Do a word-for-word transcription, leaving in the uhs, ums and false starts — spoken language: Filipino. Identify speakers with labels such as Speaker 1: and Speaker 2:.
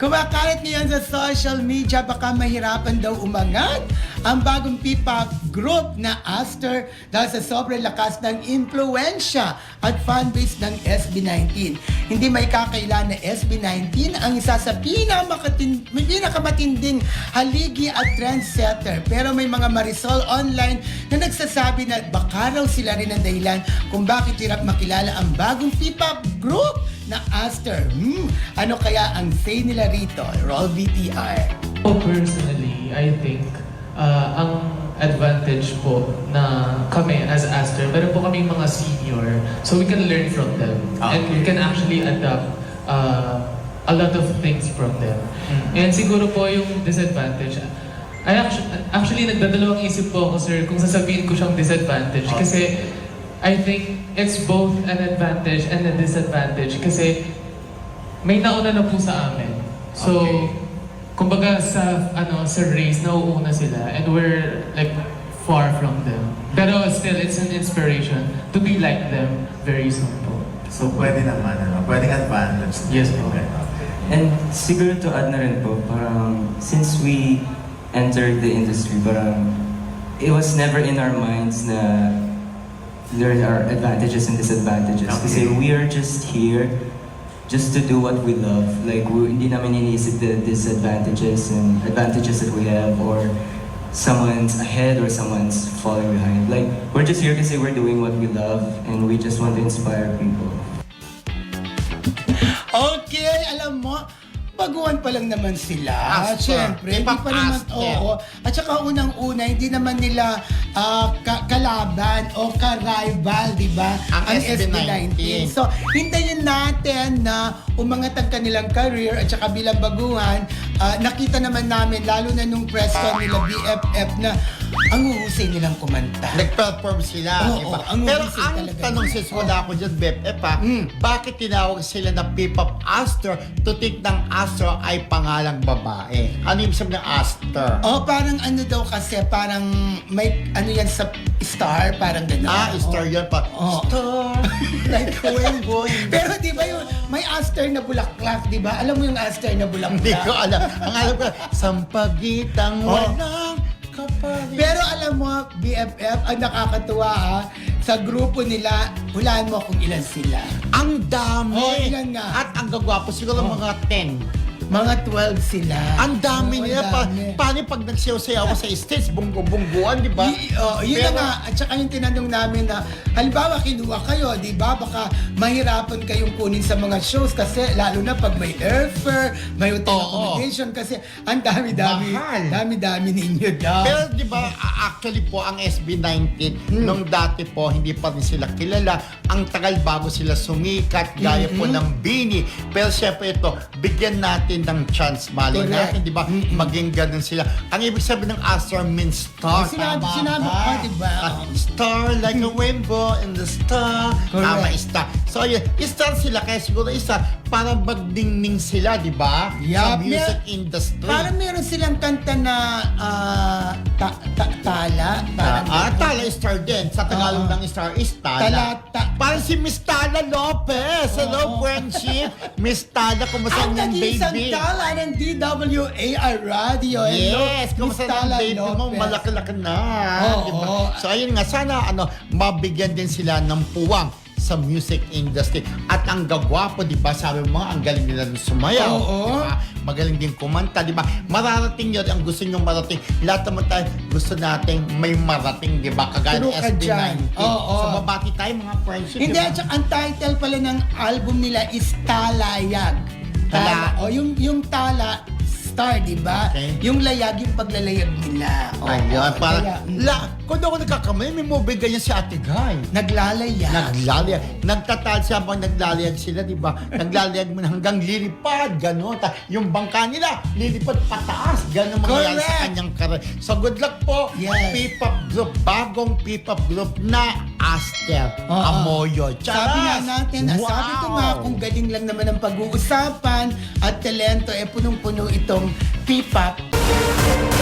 Speaker 1: Kumakalat ngayon sa social media, baka mahirapan daw umangat ang bagong P-pop group na Aster dahil sa sobrang lakas ng impluensya at fanbase ng S B nineteen. Hindi may kakaila na S B nineteen ang isa sa pinamakatin, pinakamatinding haligi at trendsetter. Pero may mga Marisol online na nagsasabi na baka raw sila rin ang dahilan kung bakit hirap makilala ang bagong P-pop group na Aster. Hmm, ano kaya ang say nila rito? Roll V T R.
Speaker 2: Oh, personally, I think uh, ang advantage po na kami as Aster, meron po kaming mga senior, so we can learn from them.
Speaker 3: Okay.
Speaker 2: And we can actually adapt uh, a lot of things from them.
Speaker 3: Mm-hmm.
Speaker 2: And siguro po yung disadvantage, I actually, actually nagdadalawang isip po ako, sir, kung sasabihin ko siyang disadvantage.
Speaker 3: Okay.
Speaker 2: Kasi I think it's both an advantage and a disadvantage kasi may nauna na po sa amin. So,
Speaker 3: Okay.
Speaker 2: kumbaga sa ano sa race nauuna sila and we're like far from them. Pero still, it's an inspiration to be like them very soon po.
Speaker 3: So, pwede naman, ano? Pwedeng advantage.
Speaker 2: Yes po.
Speaker 4: And siguro to add na rin po, parang since we entered the industry, parang it was never in our minds na there are advantages and disadvantages.
Speaker 3: Okay.
Speaker 4: Kasi we are just here just to do what we love. Like, we, hindi namin iniisip the disadvantages and advantages that we have or someone's ahead or someone's falling behind. Like, we're just here kasi we're doing what we love and we just want to inspire people.
Speaker 1: Okay, alam mo, baguhan pa lang naman sila.
Speaker 3: Aster.
Speaker 1: Siyempre, hindi
Speaker 3: K-pop
Speaker 1: pa naman,
Speaker 3: Aster.
Speaker 1: oo. At saka unang-una, hindi naman nila ah, ka- kalaban o ka-rival, di ba?
Speaker 3: Ang S B nineteen.
Speaker 1: So, hintayin natin na umangat ang kanilang career at saka bilang baguhan, ah, nakita naman namin, lalo na nung press con nila B F F na ang uhusay nilang kumanta.
Speaker 3: Nag-perform sila,
Speaker 1: Oo,
Speaker 3: di ba?
Speaker 1: oo, ang
Speaker 3: Pero
Speaker 1: husay
Speaker 3: ang
Speaker 1: talaga
Speaker 3: tanong
Speaker 1: nila.
Speaker 3: sis, wala ako dyan, B F F ha,
Speaker 1: Mm.
Speaker 3: bakit tinawag sila na P-pop Aster? Tutik ng Aster ay pangalang babae. Ano yung sabi ng Aster?
Speaker 1: Oh, parang ano daw kasi, parang may ano yan sa star, parang gano'n.
Speaker 3: Ah, Star
Speaker 1: Oh.
Speaker 3: yun pa.
Speaker 1: Oh.
Speaker 3: Star, like a rainbow.
Speaker 1: Pero di ba yung may Aster na bulaklak, di ba? Alam mo yung Aster na bulaklak?
Speaker 3: Hindi ko alam. Ang alam ko, sampagitang
Speaker 1: Oh.
Speaker 3: walang kapalit.
Speaker 1: Pero alam mo, B F F, ang nakakatuwa ha, sa grupo nila, hulaan mo kung ilan sila.
Speaker 3: Ang dami.
Speaker 1: Oh, ilan nga?
Speaker 3: At ang gagwapo, siguro
Speaker 1: Oh.
Speaker 3: mga ten.
Speaker 1: Mga twelve sila.
Speaker 3: Ang dami
Speaker 1: Oo,
Speaker 3: nila. Pa,
Speaker 1: dami.
Speaker 3: paano pag nagsayaw-sayaw ako sa stage, bunggo-bungguan, di ba?
Speaker 1: Y- oh, yun
Speaker 3: Pero-
Speaker 1: na nga. At saka yung tinanong namin na, halimbawa kinuha kayo, di ba? Baka mahirapan kayong kunin sa mga shows kasi lalo na pag may airfare, may hotel
Speaker 3: Oo.
Speaker 1: accommodation kasi ang dami-dami,
Speaker 3: Mahal.
Speaker 1: dami-dami ninyo daw.
Speaker 3: Pero di ba, a- actually po, ang S B nineteen,
Speaker 1: Hmm.
Speaker 3: nung dati po, hindi pa rin sila kilala. Ang tagal bago sila sumikat, gaya po
Speaker 1: Mm-mm.
Speaker 3: ng Bini. Pero syempre ito, bigyan natin ng chance. Mali
Speaker 1: Correct.
Speaker 3: natin, di ba?
Speaker 1: Mm-mm.
Speaker 3: Maging ganun sila. Ang ibig sabihin ng Aster means star.
Speaker 1: Sinabi-
Speaker 3: Tama
Speaker 1: sinabi
Speaker 3: ba?
Speaker 1: ko, di ba?
Speaker 3: At star like a rainbow in the star.
Speaker 1: Correct.
Speaker 3: Tama, star. So, yun, star sila. Kaya siguro isa, para magdingning sila, di ba? Sa
Speaker 1: Yup.
Speaker 3: music
Speaker 1: Mer-
Speaker 3: industry.
Speaker 1: Parang meron silang kanta na ah, ta- ta- tala. Parang
Speaker 3: Ah, ah,
Speaker 1: ganun.
Speaker 3: Tala Star din. Sa Tagalog
Speaker 1: Oo.
Speaker 3: ng Star is Tala.
Speaker 1: Tala, ta-
Speaker 3: Parang si Miss Tala Lopez. Hello,
Speaker 1: Oo.
Speaker 3: friendship. Miss Tala, kumusta
Speaker 1: Ang
Speaker 3: ang
Speaker 1: nag-iisang
Speaker 3: baby?
Speaker 1: tala ng D W A R Radio. Hello,
Speaker 3: Yes, kumusta
Speaker 1: Miss
Speaker 3: ang
Speaker 1: Tala
Speaker 3: baby mo?
Speaker 1: Lopez.
Speaker 3: Malaki-laki na.
Speaker 1: Oo.
Speaker 3: Diba? So, ayun nga. Sana, ano, mabigyan din sila ng puwang sa music industry. At ang gagwapo, di ba? Sabi mo, ang galing nila ng sumayaw.
Speaker 1: Oo.
Speaker 3: Di ba? Magaling din kumanta, di ba? Mararating yun, ang gusto nyong marating. Lahat naman tayo, gusto nating may marating, di ba? Kagaya ng
Speaker 1: True ka
Speaker 3: S B
Speaker 1: dyan.
Speaker 3: nineteen.
Speaker 1: Oo.
Speaker 3: So, babati tayo mga friendship,
Speaker 1: Hindi,
Speaker 3: di ba?
Speaker 1: at saka ang title pala ng album nila is Talayag.
Speaker 3: Tala.
Speaker 1: O, yung, yung tala, star, di ba?
Speaker 3: Okay.
Speaker 1: Yung layag, yung paglalayag nila. O,
Speaker 3: Ayun, parang,
Speaker 1: kaya, mm,
Speaker 3: la, kung daw ako nagkakamali, may movie ganyan si Ate Guy.
Speaker 1: naglalayag.
Speaker 3: Naglalayag. Nagtatal siya habang naglalayag sila, di ba? Naglalayag mo na hanggang lilipad, gano'n. Ta- Yung bangka nila, lilipad pataas. Gano'n mangyayari
Speaker 1: Correct.
Speaker 3: sa kanyang karir. So good luck po,
Speaker 1: Yes.
Speaker 3: P-pop group, bagong P-pop group na Aster
Speaker 1: Oo.
Speaker 3: Amoyo.
Speaker 1: Sabi nga natin, ah,
Speaker 3: Wow.
Speaker 1: sabi ko nga kung galing lang naman ang pag-uusapan at talento, eh punong-puno itong P-pop.